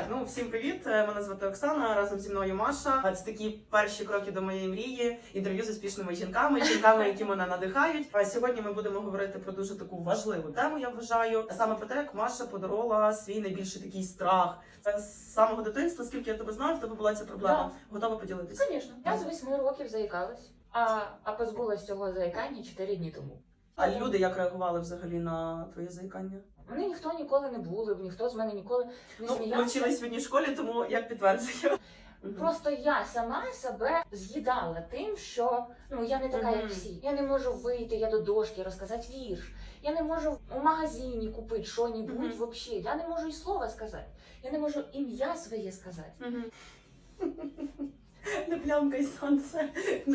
Ну, всім привіт! Мене звати Оксана, разом зі мною Маша. Це такі перші кроки до моєї мрії, інтерв'ю з успішними жінками, які мене надихають. А сьогодні ми будемо говорити про дуже таку важливу тему, я вважаю. Саме про те, як Маша подолала свій найбільший такий страх. З самого дитинства, скільки я тебе знаю, в тебе була ця проблема. Готова поділитися? Звісно. Я з 8 років заїкалась, а позбулась цього заїкання 4 дні тому. А люди як реагували взагалі на твоє заїкання? Мене ніхто ніколи не булив, ніхто з мене ніколи не сміявся. Ми вчились в одній школі, тому як підтверджую. Просто я сама себе з'їдала тим, що я не така, як всі. Я не можу вийти, я до дошки розказати вірш. Я не можу у магазині купити що-небудь взагалі. Я не можу і слова сказати. Я не можу ім'я своє сказати. Не плямкай сонце,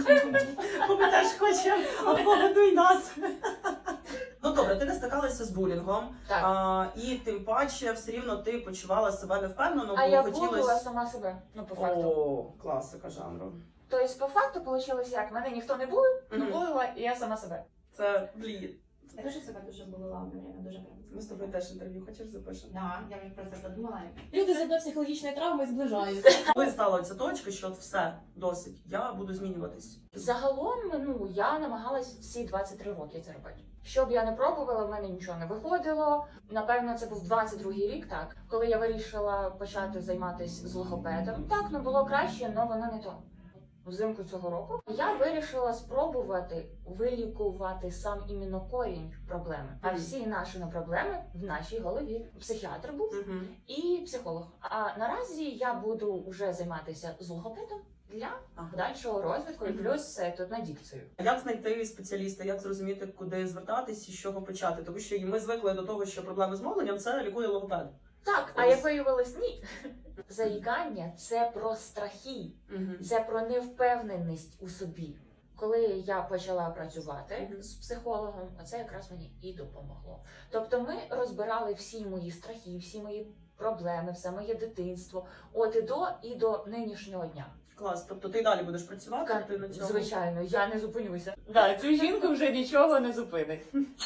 бо ми теж хочемо, а погодуй нас. Ну добре, ти не стикалася з булінгом, і тим паче все рівно ти почувала себе невпевнено, бо я булила сама себе, по факту. О, класика жанру. Тобто по факту вийшло як, мене ніхто не булив, булила і я сама себе. Це блін. Я теж себе дуже болила одне время, дуже прям. Ми з тобою теж інтерв'ю хочеш запишемо? Да, я вже про це подумала. Люди з одної психологічної травми зближаються. Коли стала ця точка, що от все, досить, я буду змінюватись? Загалом, я намагалась всі 23 роки це робити. Що б я не пробувала, в мене нічого не виходило. Напевно, це був 22-й рік, так, коли я вирішила почати займатися з логопедом. Так, було краще, але воно не то. Взимку цього року я вирішила спробувати вилікувати сам іменно корінь проблеми. А всі наші проблеми в нашій голові. Психіатр був і психолог. А наразі я буду вже займатися з логопедом для подальшого розвитку і плюс тут на дикцію. Як знайти спеціаліста, як зрозуміти, куди звертатись і з чого почати? Тому що ми звикли до того, що проблеми з мовленням – це лікує логопед. Так, а як виявилось, ні. Заїкання – це про страхи, це про невпевненість у собі. Коли я почала працювати з психологом, це якраз мені і допомогло. Тобто ми розбирали всі мої страхи, всі мої проблеми, все моє дитинство, от і до нинішнього дня. Клас, тобто ти далі будеш працювати? Ти на цьому? Звичайно, я не зупинюся. Цю жінку вже нічого не зупинить.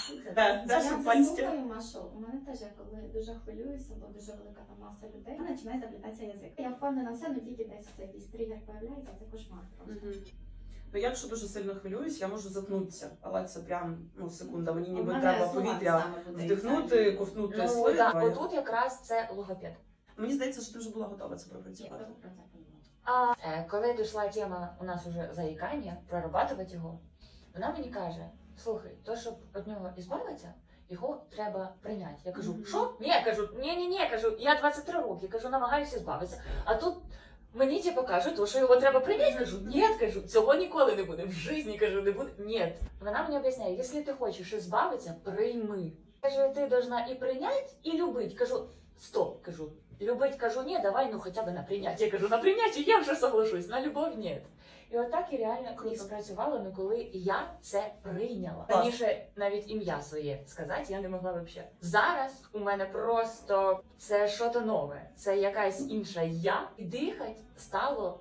Я слухаю, Машу, у мене теж, я коли дуже хвилююся, бо дуже велика там маса людей, починає заплітатися язик. Я впевнена все, тільки десь це якийсь тригер появляється, це кошмар просто. Ну, я якщо дуже сильно хвилююсь, я можу заткнутися, але це прям, секунда, мені ніби треба повітря вдихнути, ковтнути слив. Отут якраз це логопед. Мені здається, що ти вже була готова це пропрацювати. А коли дійшла тема у нас уже заїкання, прорабатувати його, вона мені каже: слухай, то щоб від нього ізбавитися, його треба прийняти. Я кажу, що? Ні, кажу, ні, кажу, я 23 роки, кажу, намагаюся збавитися. А тут мені кажуть, що його треба прийняти. Кажу, ні, кажу, цього ніколи не буде. В житті, кажу, не буде. Ні. Вона мені об'ясняє, якщо ти хочеш збавитися, прийми. Каже, ти должна і прийняти, і любити. Кажу, стоп, кажу. Любить, кажу, ні, давай, хоча б на прийняття. Кажу, на прийняття я вже соглашусь, на любов ні. І отак і реально і спрацювало, коли я це прийняла. Раніше навіть ім'я своє сказати я не могла взагалі. Зараз у мене просто це щось нове, це якась інша я. І дихати стало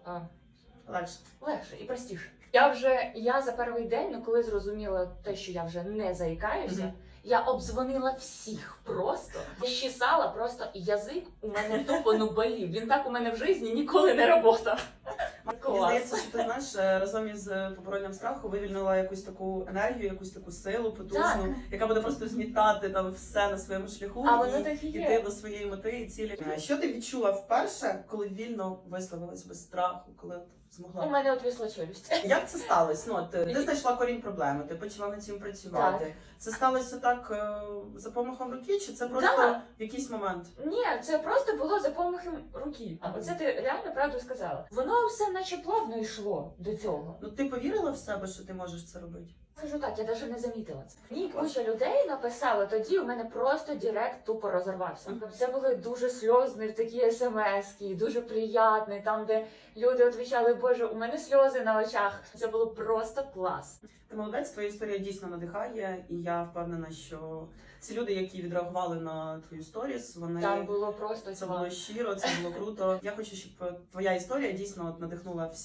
легше і простіше. Я за перший день, коли зрозуміла те, що я вже не заїкаюся, я обдзвонила всіх просто, щесала просто, і язик у мене тупо болів. Він так у мене в житті ніколи не працював. Мені здається, що ти знаєш, разом із поборонням страху вивільнила якусь таку енергію, якусь таку силу потужну, яка буде просто змітати там все на своєму шляху і йти до своєї мети і цілі. Що ти відчула вперше, коли вільно висловилась без страху, коли змогла? У мене отвісла челюсть. Як це сталося? Ти знайшла корінь проблеми, ти почала над цим працювати. Так. Це сталося так за помахом руки, чи це просто в якийсь момент? Ні, це просто було за помахом руки. Оце ти реально правду сказала. Воно все наче плавно йшло до цього. Ти повірила в себе, що ти можеш це робити? Скажу так, я навіть не замітила це. Мені куча людей написали, тоді у мене просто директ тупо розірвався. Це були дуже сльозні такі смс-ки, дуже приємні, там де люди відповідали, боже, у мене сльози на очах. Це було просто клас. Ти молодець, твоя історія дійсно надихає, і я впевнена, що ці люди, які відреагували на твою сторіс, вони... Там було просто це було щиро, це було круто. Я хочу, щоб твоя історія дійсно надихнула всіх,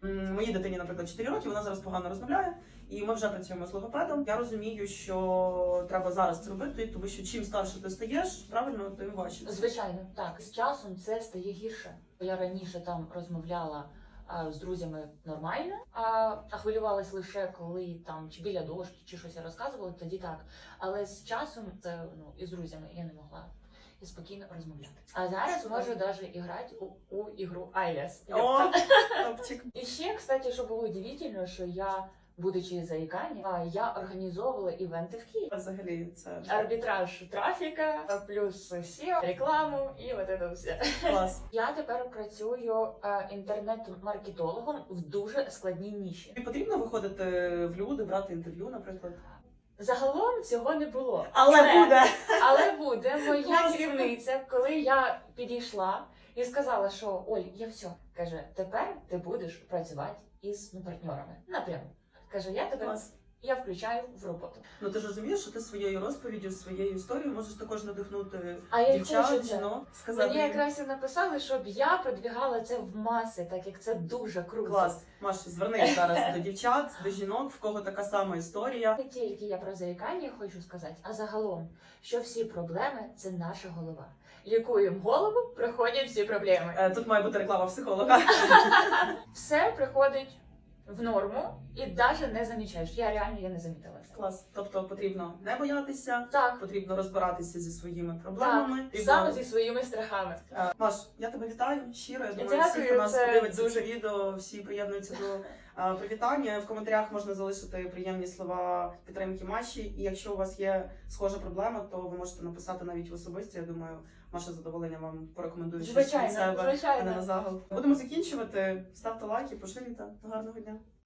Моїй дитині, наприклад, 4 роки, вона зараз погано розмовляє, і ми вже працюємо з логопедом. Я розумію, що треба зараз це робити, тому що чим старше ти стаєш, правильно, тим важче. Звичайно, так. З часом це стає гірше. Я раніше там розмовляла з друзями нормально, а хвилювалась лише коли там чи біля дошки, чи щось я розказувала, тоді так. Але з часом це і з друзями я не могла і спокійно розмовляти. А зараз можу навіть грати у ігру IELTS. О, топчик. І ще, кстати, що було удивительно, що я, будучи заїканням, я організовувала івенти в Києві. Взагалі, це Арбітраж трафіка, плюс SEO, рекламу і от це все. клас. Я тепер працюю інтернет-маркетологом в дуже складній ніші. Тобі потрібно виходити в люди, брати інтерв'ю, наприклад? Загалом цього не було. Але Але буде моя Класно. керівниця, коли я підійшла і сказала, що Оль, я все. Каже, тепер ти будеш працювати із партнерами. Напряму. Каже, я тебе Клас. я включаю в роботу. Ну ти ж розумієш, що ти своєю розповіддю, своєю історією можеш також надихнути А я й дівчат, хочу це. жінок, сказати Мені їм. якраз і написали, щоб я продвігала це в маси, так як це дуже круто. Клас. Маш, звернись зараз до дівчат, до жінок, в кого така сама історія. Не тільки я про заїкання хочу сказати, а загалом, що всі проблеми це наша голова. Лікуємо голову, проходять всі проблеми. Тут має бути реклама психолога. Все приходить в норму і навіть не замічаєш. Я реально не замітила це. Клас. Тобто потрібно не боятися, Так, потрібно розбиратися зі своїми проблемами. так, Потрібно- саме зі своїми страхами. Маш, я тебе вітаю щиро. Я думаю, Дякую, всі, хто нас це подивиться дуже- це відео, всі приєднуються до привітання. В коментарях можна залишити приємні слова підтримки Маші. І якщо у вас є схожа проблема, то ви можете написати навіть в особисті. Я думаю, Маша з задоволенням вам порекомендує щось від Звичайно, себе, а не звичайно. на загал. Будемо закінчувати. Ставте лайки, поширюйте. Гарного дня.